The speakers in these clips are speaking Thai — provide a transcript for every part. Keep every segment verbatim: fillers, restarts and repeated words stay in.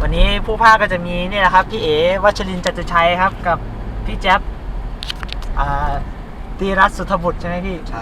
วันนี้ผู้พากย์ก็จะมีนี่แหละครับพี่เอ๋วัชรินทร์จตุชัยครับกับพี่แจ๊บตีรัตน์สุทธบุตรใช่ไหมพี่ใช่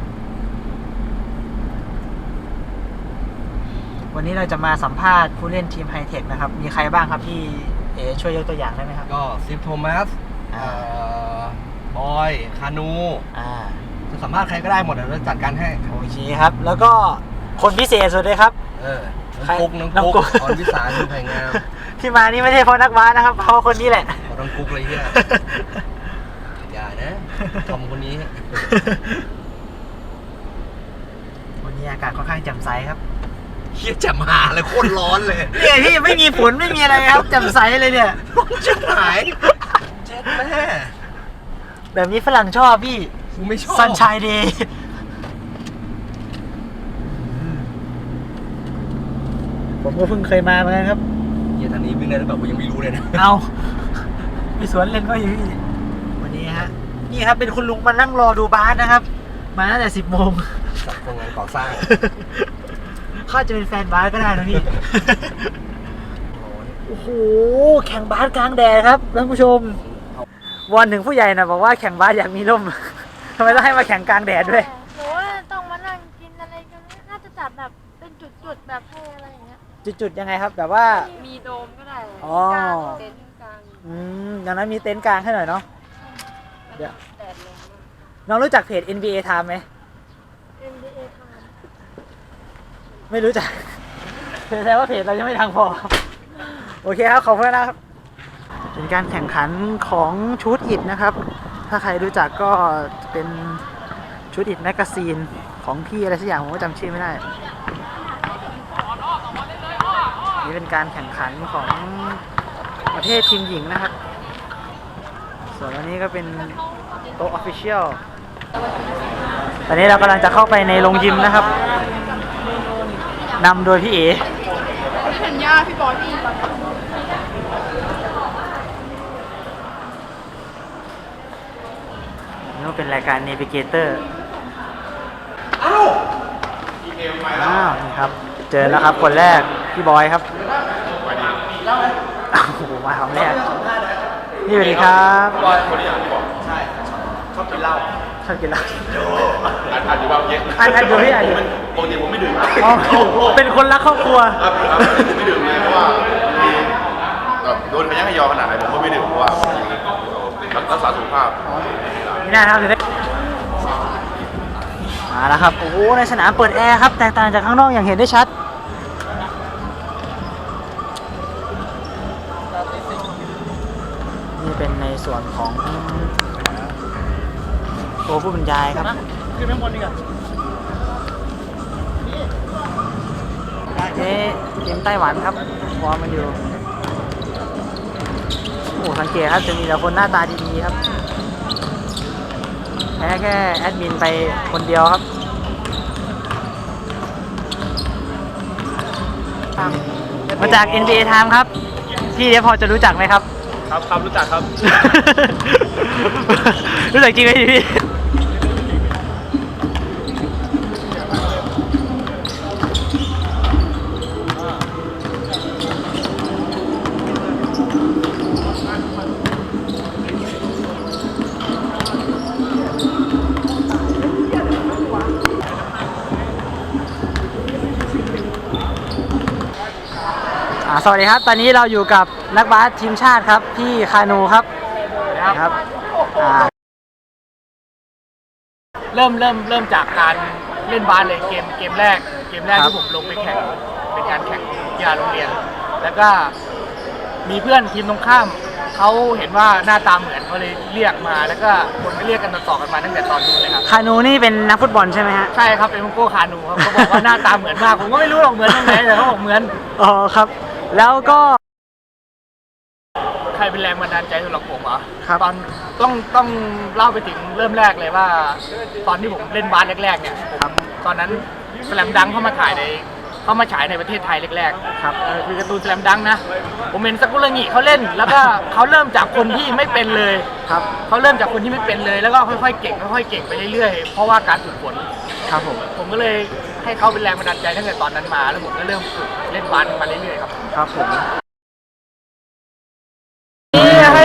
วันนี้เราจะมาสัมภาษณ์ผู้เล่นทีมไฮเทคนะครับมีใครบ้างครับพี่เอ๋ช่วยยกตัวอย่างได้ไหมครับก็ซิฟโทมัสบอยคานูจะสัมภาษณ์ใครก็ได้หมดเดี๋ยวเราจัดการให้โอเคครับแล้วก็คนพิเศษสุดเลยครับเออน้องกุ๊กน้องกุ๊กออนวิสารไผ่งามที่มานี่ไม่ใช่เพราะนักบาสนะครับเพราะคนนี้แหละน้องกุ๊กเลยเฮียอย่านะทอมคนนี้วันนี้อากาศค่อนข้างแจ่มใสครับเฮียแจ่มหาเลยโคตรร้อนเลยเนี่ยพี่ไม่มีฝนไม่มีอะไรครับแจ่มใสเลยเนี่ยจะหายเจ็ดแม่แบบนี้ฝรั่งชอบพี่กูไม่ชอบซันชัยดีผมก็เพิ่งเคยมาเหมือนกันครับเฮียทางนี้วิ่งได้หรือเปล่าผมยังไม่รู้เลยนะเอามีสวนเล่นก็อยู่พี่วันนี้ฮะนี่ครับเป็นคุณลุงมานั่งรอดูบาสนะครับมาตั้งแต่สิบโมงจากโครงงานก่อสร้างเขาจะเป็นแฟนบาสก็ได้นะพี่โอ้โหแข่งบาสกลางแดดครับท่านผู้ชมวอนถึงผู้ใหญ่นะบอกว่าแข่งบาสอยากมีร่มทำไมต้องให้มาแข่งกลางแดดด้วยหรือว่าต้องมานั่งกินอะไรกันน่าจะจัดแบบเป็นจุดๆแบบให้อะไรอย่างเงี้ยจุดๆยังไงครับแบบว่ามีโดมก็ได้อ๋อเต็นท์กลางอืมอย่างนั้นมีเต็นท์กลางให้หน่อยเนาะเดี๋ยวน้องรู้จักเพจ เอ็น บี เอ Time ไหมเอ็น บี เอ Time ไม่รู้จักแสดงว่าเพจเรายังไม่ดังพอโอเคครับขอบคุณนะครับเป็นการแข่งขันของชูตอิทนะครับถ้าใครรู้จักก็เป็นชูตอิทแมกกาซีนของพี่อะไรสักอย่างผมก็จำชื่อไม่ได้นี่เป็นการแข่งขันของประเภททีมหญิงนะครับส่วนวันนี้ก็เป็นโต๊ะออฟฟิเชียลตอนนี้เรากำลังจะเข้าไปในโรงยิมนะครับนำโดยพี่เอ๋พี่ธัญญาพี่บอยพี่นี่ก็เป็นรายการ Navigator อ้าวอ้าวนี่ครับเจอแล้วครับคนแรกพี่บอยครับโอ้โหมาคำแรกนี่สวัสดีครับบอยคนที่อย่างที่บอกใช่ชอบกินเหล้าชอบกินเหล้าอันอันอยู่บ้างเยอะอันอันอยู่ที่อันอยู่ปกติผมไม่ดื่มเป็นคนรักครอบครัวครับครับไม่ดื่มเลยเพราะว่ามีโดนพยักขยอขนาดไหนผมก็ไม่ดื่มเพราะว่ารักษาสุขภาพไม่ได้ครับมาแล้วครับโอ้โหในสนามเปิดแอร์ครับแตกต่างจากข้างนอกอย่างเห็นได้ชัดนี่เป็นในส่วนของตัวผู้บรรยายครับขึ้นไปบนนี่ก่อนเอ๊ะทีมไต้หวันครับพอมาอยู่โอ้สังเกตครับจะมีแต่คนหน้าตาดีๆครับแพ้แค่แอดมินไปคนเดียวครับมาจาก เอ็น บี เอ Time ครับพี่เดี๋ยวพอจะรู้จักไหมครับครับครับรู้จักครับรู้จักจริงไหมพี่สวัสดีครับตอนนี้เราอยู่กับนักบาสทีมชาติครับพี่คานูครับครับเริ่มเริ่มเริ่มจากการเล่นบาสเลยเกมเกมแรกเกมแรกที่ผมลงไปแข่งเป็นการแข่งกีฬาโรงเรียนแล้วก็มีเพื่อนทีมตรงข้ามเขาเห็นว่าหน้าตาเหมือนเขาเลยเรียกมาแล้วก็คนก็เรียกกันต่อกันมาตั้งแต่ตอนนู้นเลยครับคานูนี่เป็นนักฟุตบอลใช่ไหมฮะใช่ครับเป็นมังโก้คานูครับเขาบอกว่าหน้าตาเหมือนมากผมก็ไม่รู้หรอกเหมือนตรงไหนแต่เขาบอกเหมือนอ๋อครับแล้วก็ใครเป็นแรงบันดาลใจสำหรับผมอ่ะครับตอนต้องต้องเล่าไปถึงเริ่มแรกเลยว่าตอนที่ผมเล่นบาสแรกๆเนี่ยผมตอนนั้นสแลมดังเข้ามาถ่ายในเข้ามาฉายในประเทศไทยแรกๆครับคือการ์ตูนสแลมดังนะผมเห็นซากุระงิเขาเล่นแล้วก็เขาเริ่มจากคนที่ไม่เป็นเลยครับเขาเริ่มจากคนที่ไม่เป็นเลยแล้วก็ค่อยๆเก่งค่อยๆเก่งไปเรื่อยๆเพราะว่าการฝึกฝนครับผมผมก็เลยให้เขาเป็นแรงบันดาลใจตั้งแต่ตอนนั้นมาแล้วผมก็เริ่มฝึกเล่นบาสมาเรื่อยๆครับครับผม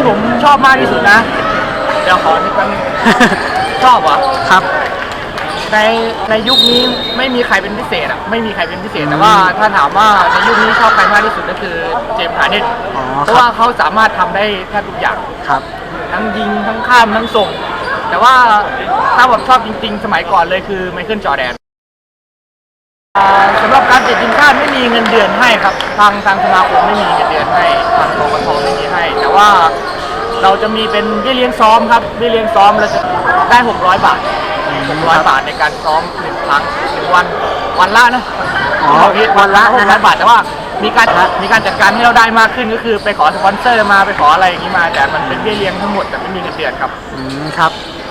ที่ผมชอบมากที่สุดนะ เดี๋ยวขอนิดนึง ชอบเหรอครับในในยุคนี้ไม่มีใครเป็นพิเศษอ่ะไม่มีใครเป็นพิเศษแต่ว่าถ้าถามว่าในยุคนี้ชอบใครมากที่สุดก็คือเจมส์ฮาร์เดนอ๋อเพราะว่าเขาสามารถทำได้แทบทุกอย่างครับทั้งยิงทั้งข้ามทั้งส่ง แต่ว่าถ้าผมชอบจริงๆ สมัยก่อนเลยคือไมเคิลจอร์แดนอ่าสำหรับการติดทีมชาติไม่มีเงินเดือนให้ครับทางทางสมาคมไม่มีเงินเดือนให้ทางกกทไม่มีให้ แต่ว่าเราจะมีเป็นเบี้ยเลี้ยงซ้อมครับเบี้ยเลี้ยงซ้อมเราจะได้หกร้อยบาทหกร้อยบาทในการซ้อมหนึ่งครั้งหนึ่งวันวันละนะอ๋อวันละหกนะร้ครัอบ ยบาทแต่ว่ามีการมีการจัดการให้เราได้มากขึ้นก็คือไปขอสปอนเซอร์มาไปขออะไรอย่างนี้มาแต่มันเป็นเบี้ยเลี้ยงทั้งหมดแต่ไม่มีเงินเดือนครับอืมครับ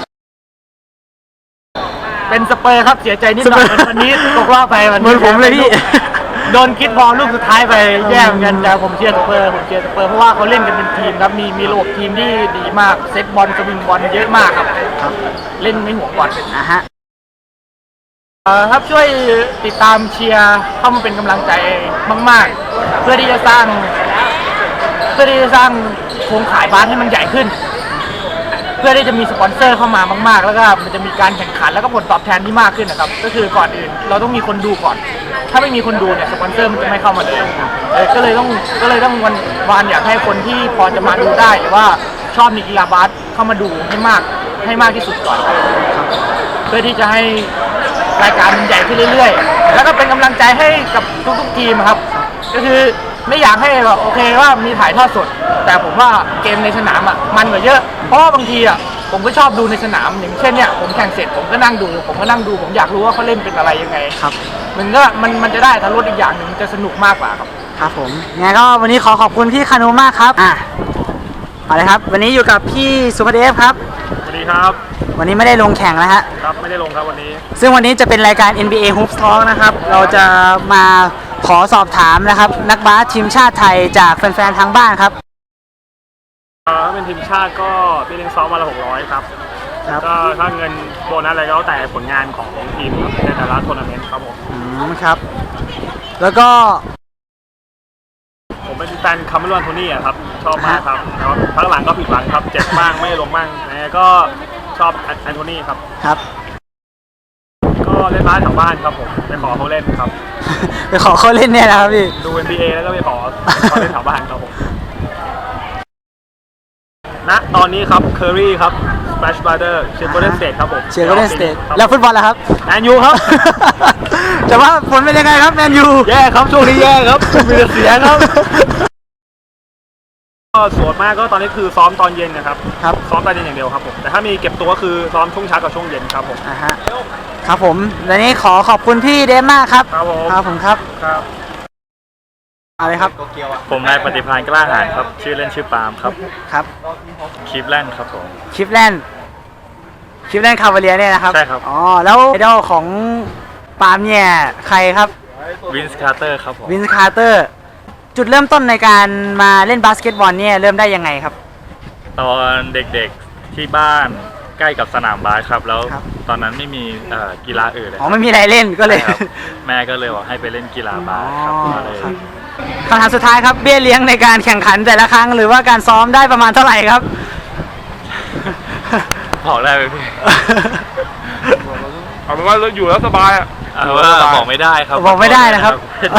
เป็นสเปอร์ครับเสียใจนิดหน่อยสเปอร์วันนี้ตกรอบไปวันเหมืนี้อนผมเลยพี่โดนคิดบอลลูกสุดท้ายไปแย่เหมือนกันแต่ผมเชียร์สเปอร์ผมเชียร์สเปอร์เพราะว่าเขาเล่นกันเป็นทีมครับมีมีระบบทีมที่ดีมากเซตบอลสวิงบอลเยอะมากครับเล่นไม่ห่วงบอลอ่ะฮะเอ่อครับช่วยติดตามเชียร์เข้ามาเป็นกำลังใจมากๆ เพื่อที่จะสร้าง เพื่อที่จะสร้างโครงข่ายบาสให้มันใหญ่ขึ้น เพื่อที่จะมีสปอนเซอร์เข้ามามากๆ แล้วก็มันจะมีการแข่งขันแล้วก็ผลตอบแทนที่มากขึ้นนะครับก็คือก่อนอื่นเราต้องมีคนดูก่อน ถ้าไม่มีคนดูเนี่ยสปอนเซอร์มันจะไม่เข้ามาเลยเออก็เลยต้องก็เลยต้องวันวานอยากให้คนที่พอจะมาดูได้หรือว่าชอบในกีฬาบาสเข้ามาดูให้มากให้มากที่สุดก่อนครับเพื่อที่จะให้รายการมันใหญ่ขึ้นเรื่อยๆ แล้วก็เป็นกำลังใจให้กับทุกๆทีมครับ ก็คือไม่อยากให้แบบโอเคว่ามีถ่ายทอดสด แต่ผมว่าเกมในสนามอ่ะมันกว่าเยอะ เพราะว่าบางทีอ่ะผมก็ชอบดูในสนามอย่างเช่นเนี่ยผมแข่งเสร็จผมก็นั่งดู ผมก็นั่งดูผมอยากรู้ว่าเขาเล่นเป็นอะไรยังไงครับมันก็มันมันจะได้ทารสอีกอย่างหนึ่งมันจะสนุกมากกว่าครับครับผมงั้นก็วันนี้ขอขอบคุณพี่คานุมากครับ อ่ะเอาเลยครับ วันนี้อยู่กับพี่สุภเดชครับสวัสดีครับวันนี้ไม่ได้ลงแข่งนะฮะครับไม่ได้ลงครับวันนี้ซึ่งวันนี้จะเป็นรายการ เอ็น บี เอ Hoops Talk นะครับ เราจะมาขอสอบถามนะครับ นักบาสทีมชาติไทยจากแฟนๆทางบ้านครับถ้าเป็นทีมชาติก็พี่เลี้ยงซ้อมวันละหกร้อยครับครับก็ถ้าเงินโบนัสอะไรก็แล้วแต่ผลงานของทีมครับในแต่ละทัวร์นาเมนต์ครับผมอืมครับ แล้วก็ผมเป็นแฟนคาร์เมลอนโทนี่อะครับ ชอบมากครับแล้วพักหลังก็ผิดหวังครับ เจ็บบ้างไม่ได้ลงบ้างนะก็ชอบแอนโทนี่ครับครับก็เล่นบ้านแถวบ้านครับผมไปขอเขาเล่นครับไปขอเขาเล่นเนี่ยนะครับพี่ดู เอ็น บี เอ แล้วก็ไปขอขอเล่นแถวบ้านครับผมณตอนนี้ครับเคอรี่ครับ Splash Brother เชียร์โกลเด้นสเตทครับผมเชียร์โกลเด้นสเตทครับแล้วฟุตบอลล่ะครับแมนยูครับแต่ว่าผลเป็นยังไงครับแมนยูแย่ครับช่วงนี้แย่ครับมีแต่เสียครับก็ส่วนมากก็ตอนนี้คือซ้อมตอนเย็นนะครับครับซ้อมตอนเย็นอย่างเดียวครับผมแต่ถ้ามีเก็บตัวก็คือซ้อมช่วงเช้ากับช่วงเย็นครับผมอ่าฮะ ครับผมวันนี้ขอขอบคุณพี่เดมมากครับครับผมครับผมครับครับเอาเลยครับผมนายปฏิพานกล้าหาญครับ ชื่อเล่นชื่อปาล์มครับครับคลิปแลนด์ครับผมคลิปแลนด์คลิปแลนด์คาร์เวเลียเนี่ยนะครับใช่ครับอ๋อ แล้วไอดอลของปาล์มเนี่ยใครครับวินส์คาร์เตอร์ครับผมวินส์คาร์เตอร์ จุดเริ่มต้นในการมาเล่นบาสเกตบอลเนี่ยเริ่มได้ยังไงครับตอนเด็กๆที่บ้านใกล้กับสนามบาสครับ แล้วครับตอนนั้นไม่มีเอ่อกีฬาอื่นเลยอ๋อ ไม่มีอะไรเล่นก็เลยใช่ครับแม่ก็เลยบอกให้ไปเล่นกีฬาบาสครับอ๋อก็เลยครับคำถามสุดท้ายครับ เบี้ยเลี้ยงในการแข่งขันแต่ละครั้ง หรือว่าการซ้อมได้ประมาณเท่าไหร่ครับบอกได้ไหมพี่เอาเป็นว่าเราอยู่แล้วสบายอ่ะเอาว่าบอกไม่ได้ครับบอกไม่ได้นะครับ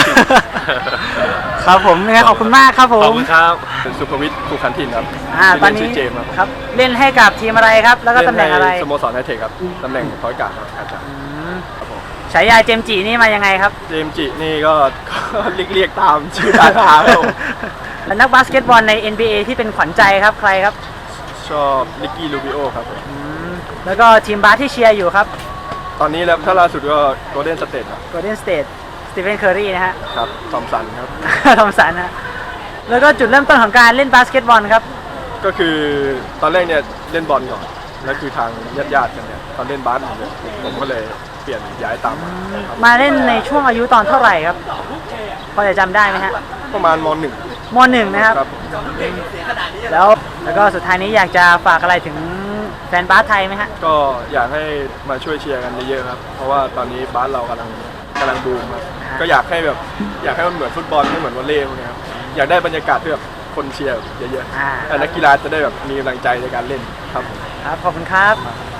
ครับผมยังไงขอบคุณมากครับผขอบมคุณครับเป็นสุภวิทย์ภูคันทินครับอ่าตอนนี้ชื่อเจมส์ครับครับ เล่นให้กับทีมอะไรครับ แล้วก็ตำแหน่งอะไรเล่นในสโมสรไทเทคครับ ตำแหน่งพอยต์การ์ดครับอาจารย์อืมฉายาเจมส์จีนี่มายังไงครับเจมส์จินี่ก็ ก็เรียกเรียกตามชื่อดาราครับผมแล้วนักบาสเกตบอลใน เอ็น บี เอ ที่เป็นขวัญใจครับใครครับชอบลิกกี้ลูบิโอครับผมอืมแล้วก็ทีมบาสที่เชียร์อยู่ครับตอนนี้แล้วถ้าล่าสุดก็โกลเด้นสเตทครับ Golden State สตีเฟนเคอร์รีนะฮะครับทอมสันครับทอมสันนะ แล้วก็จุดเริ่มต้นของการเล่นบาสเกตบอลครับก็คือตอนแรกเนี่ยเล่นบอลก่อนแล้วคือทางญาติๆกันเนี่ยตอนเล่นบาสผมเลยผมก็เลยเปลี่ยนย้ายตามมาครับมาเล่นในช่วงอายุตอนเท่าไหร่ครับ พอจะจำได้ไหมฮะประมาณมหนึ่งมหนึ่งนะครับครับแล้วแล้วก็สุดท้ายนี้อยากจะฝากอะไรถึงแฟนบาสไทยไหมฮะก็อยากให้มาช่วยเชียร์กันเยอะๆครับ เพราะว่าตอนนี้บาสเรากำลังกำลังบูมครับฮะก็อยากให้แบบอยากให้มันเหมือนฟุตบอลไม่เหมือนวอลเลย์พวกนี้ครับ อยากได้บรรยากาศที่แบบคนเชียร์เยอะอ่าๆแต่นักกีฬาจะได้แบบมีกำลังใจในการเล่นครับผมครับขอบคุณครับ